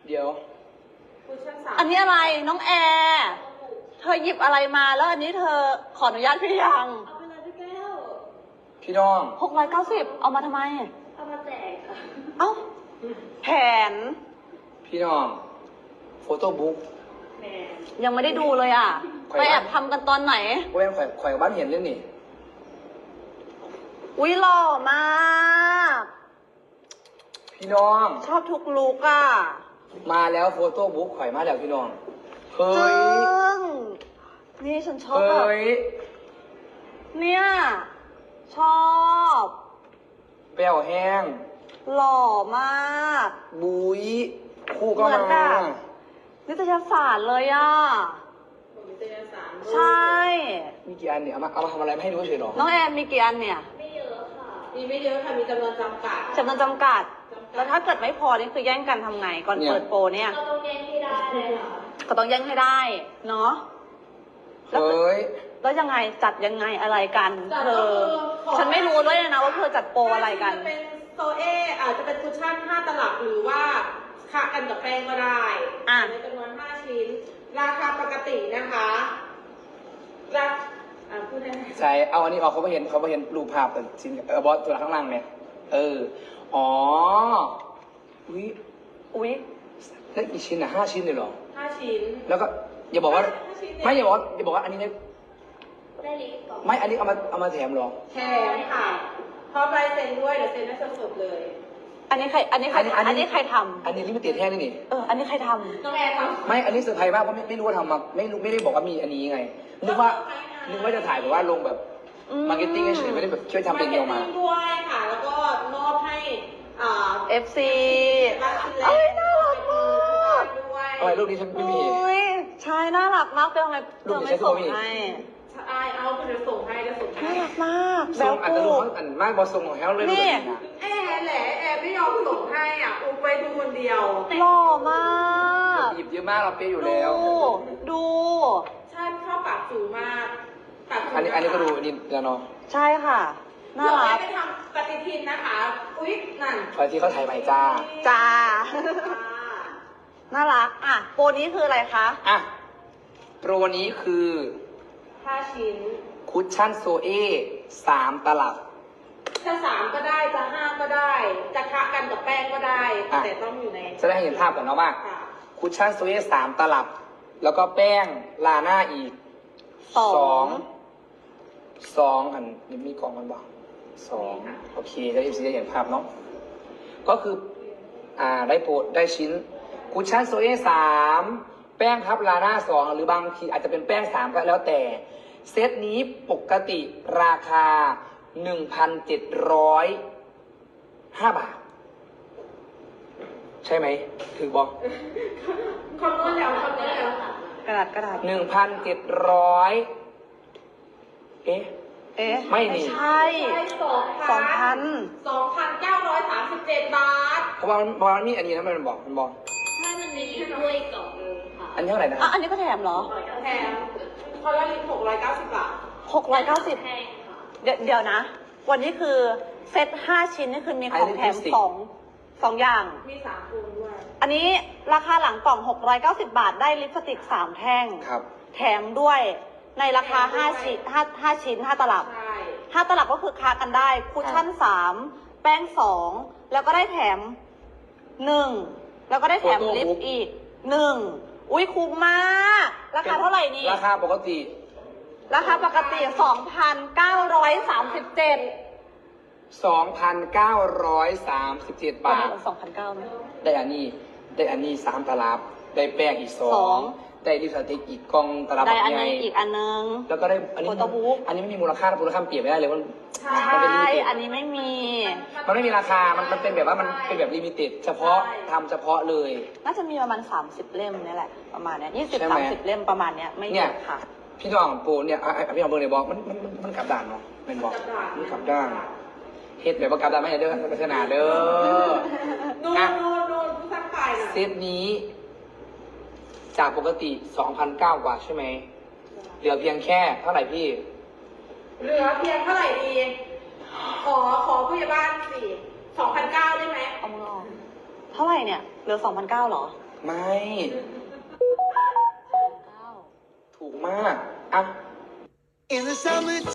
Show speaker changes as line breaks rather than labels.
เดี๋ยว
อันนี้อะไรน้องแอร์เธอหยิบอะไรมาแล้วอันนี้เธอขออนุญาตพี่ยัง
เอาไปเลยพี่แก้ว
พี่น้อง
690เอามาทำไม
เอามาแจกค่ะ
เอ้าแผน
พี่น้องโฟโต้บุ๊ก
ยังไม่ได้ดูเลยอ่ะไปแอบทำกันตอนไหน
ว่าเป็นข่อยกับบ้านเห็นเรื่องนี้
อุ้ยหล่อมาก
พี่น้อง
ชอบทุกลุกอ่ะ
มาแล้วโฟโต้บุ๊กข่อยมาแล้วพี่น้องเฮ้ย
นี่ฉันชอบแบบ
เฮ้ย
เนี่ยชอบ
แป้วแห้ง
หล่อมาก
บุยคู่ก็มา
นิตยสารเลยอ่ะ
นิตยสาร
ใช่
มีกี่อันเนี่ยเอามาทำอะไรไม่ให้ดูเฉยหรอ
น้องแอนมีกี่อันเนี่ย
ไม่เยอะค่ะมีไม่เยอะค่ะมีจำนวนจำกัด
แล้วถ้าเกิดไม่พอนี่คือแย่งกันทำไงก่อนเปิดโปรเนี่ย
ก็ต้องแย่งให้ได้เลยค่ะ
ก็ต้องแย่งให้ได้เนาะ
เฮ้ย
แล้วยังไงจัดยังไงอะไรกันเธอฉันไม่รู้ด้วยนะว่าเธอจัดโปรอะไรกัน
จะเป็นโซเออาจจะเป็นคุชชั่น5 ตลับหรือว่าค่ะกันกับแป้งก็ได้ในจำนวน5 ชิ้นราคาปกตินะคะพูดได้ไหม
ใช่เอาอันนี้ออกเขาไม่เห็นรูปภาพแต่ชิ้นบอสตัวข้างล่างเนี่ยอ๋อ
อุ้ย
แล้วกี่ชิ้นอ่ะ5 ชิ้นเลยเหรอ
5 ชิ้น
แล้วก็อย่าบอกว่าไม่อย่าบอกว่าอันนี้
ได้ลิฟต์ก่อน
ไม่อันนี้เอามาแถมหรอ
แถมค่ะพร้อมลายเซ็นด้วยเดี๋ยวเซ็นให้สดๆเลย
อันนี้ใครทำอันนี้
ลิมิเต็ดแท้นี่
อันนี้ใครทำ
น้องแอร์ทำ
ไม่อันนี้เซอร์ไพรส์มากเพราะไม่รู้ว่าทำมาไม่ได้บอกว่ามีอันนี้ไงนึกว่าจะถ่ายแบบว่าลงแบบมาร์เก็ตติ้งเฉยไม่ได้แบบช่วยทำเป็นเดียวมา
ด้วยค่ะแล้วก็มอบให้
FC เอ้ยน่ารักมาก
อะไรรูปนี้ฉันไม่มี
ใช่น่ารักมากเป็นอะไรเธอไม่ส่งให้
เอาคุณจะส่งให้
น่ารักมาก
ส่งอันตรายอันมากบอส่งของแฮร์เลย
นี่
แอร์แหละแอร์ไม่ยอมส่งให้อุบไปดูคนเดียว
หล่อมาก
หยิบเยอะมากเราเป๊ะอยู่แล้ว
ดู
ใช่ชอบปากจูมาก
อันนี้ก็ดูนี่แล้วเนาะ
ใช่ค่ะน่ารัก
ไปทำปฏิทินนะคะอุ๊ยนั่น
คอยที่เขาถ่ายใหม่จ้า
น่ารักโปรนี้คืออะไรคะ
โปรนี้คือ
5 ชิ้น
คุชชั่นโซเอ3 ตลับ
จะ3ก็ได้จะ5ก็ได้จะคะกันกับแป้งก็ได้แต่ต้องอยู่ใน
จะได้เห็นภาพก่อนเนาะว่าคุชชั่นโซเอ3 ตลับแล้วก็แป้งลาหน้าอีก2อันนี่มีกล่องมันบอก2โอเคแล้วเอฟซีจะเห็นภาพเนาะก็คือได้ชิ้นคุชชั่นโซเอ3แป้งพับลาหน้า2หรือบางทีอาจจะเป็นแป้ง3ก็แล้วแต่เซตนี้ปกติราคา 1,705 บาทใช่ไหมถึงบอก
คำนวณแล้ว
กระดาษ
1,700ไม่นี่
ใช่
2,937 บาท
เพราะว่ามันมีอันนี้นะมันบอก
ให้มันมีด้วยกล่องนึงค่ะ
อันนี้เท่าไหร่นะ
อันนี้ก็แถมเหรอ
แถมคนละลิตร690 บาท
690แพงค่ะเดี๋ยวนะวันนี้คือเซต5 ชิ้นนี่คือมีของแถม2อย่าง
มี3 คนด้วย
อันนี้ราคาหลังกล่อง690 บาทได้ลิปสติก3 แท่งแถมด้วยในราคา5 ชิ้น 5 ตลับ5 ตลับก็คือค้ากันได้คุชชั่น3แป้ง2แล้วก็ได้แถม1แล้วก็ได้แถมลิปอีก1อุ้ยคุ้มมากราคาเท่าไหร่นี่
ราคาปกติ
2,937
2,937 บาท
2,900ไหม
ได้อันนี้3 ตลับได้แป้งอีก2ได้ลิปสติกอีกกล่องตลับ
ได้อันนึงอีกอันนึง
แล้วก็ได้อันนี้ไม่มีมูลค่าเปลี่ยนไม่ได้เลยมัน
เป็นลิมิเต็ดอันนี้ไม่มี
มันไม่มีราคามันเป็นแบบว่ามันเป็นแบบลิมิเต็ดเฉพาะทำเฉพาะเลย
น่าจะมีประมาณ30 เล่มนี่แหละประมาณเนี้ย20-30 เล่มประมาณเนี้ยไม่เยอะค่ะ
พี่น้องปูเนี่ยพี่น้องเบอร์เนี่ยบอกมันกลับด้านเนาะเป็นบอกมันกลับด้านเฮ็ดแบบว่ากลับด้านไม่ใช่เด้อพัฒนาเด้อ
ดูผู้สร้างไปนะ
เซตนี้จากปกติ 2,900 กว่าใช่ไหมเหลือเพียงแค่เท่าไหร่พี่
เหลือเพียงเท่าไหร่ดีขอผู้ใหญ่บ้านสิ 2,900 ได้ไหม
เอามือออกเท่าไหร่เนี่ยเหลือ 2,900 หรอ
ไม่ ถูกมากอ่ะ